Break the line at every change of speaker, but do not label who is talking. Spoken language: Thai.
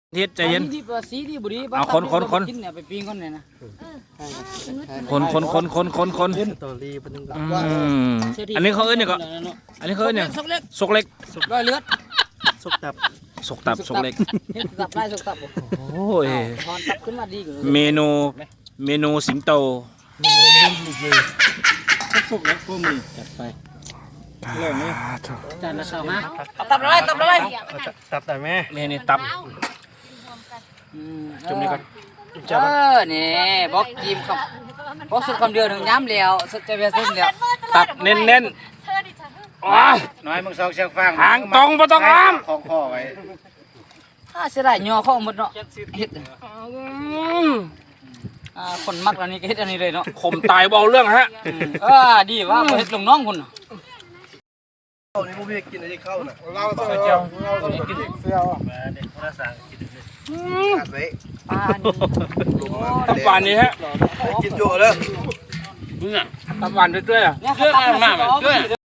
เฮ็ดใจเย็น
สีดีบุรี
เอาคน
กินเนี่ยไปปิ้งคนเนี่ยนะ
คน
ตอรี่เป็นยังไง
อันนี้เขาเอิ้นเนี่ยก็อันนี้เขาเอิ้นเนี่ยสกเล็ก
ร้อยเลือด
สุกตับ
สกตับสกเล็ก
เฮ็ดตับไล่สกตับ
โอ้ย
ถอนตับขึ้นมาดีกว่า
เมนูสิงโต
สุกแล้วพวกมึงจัดไปเรื่องนี้
จานละสองฮะตับอะไร
ตับแต่แม่
นี่ตับ จุ่มนี่ก่อน
นี่บอกจิ้มครับบอกสุดคำเดียวหนึ่งย้ำแล้วสุดจะเป็นสุดเดียว
ตับเน้นๆว้า
น้อยมึงซองเชือกฟาง
หางตรงบ่ต้องอ้าม
ของข้อไว้
เสียดายย่อเข้าหมดเนาะเฮ็ดคนมักอันนี้ก็เฮ็ดอันนี้เลยเนาะ
ข่มตายเบาเรื่องฮะ
ดีว่าเฮ็ดลงน้องคุณ
ข้าวนี่พวกพี่กินอะไรข้าวน่ะ
เราเจียว
กินเสื้อเด็กคนละสั่งกินตัดไว้
ปลา
ตับหวานนี่ฮะ
กินโย่เลย
ตับหวานด้วยอ่ะ
เนี่ยเขาตักมา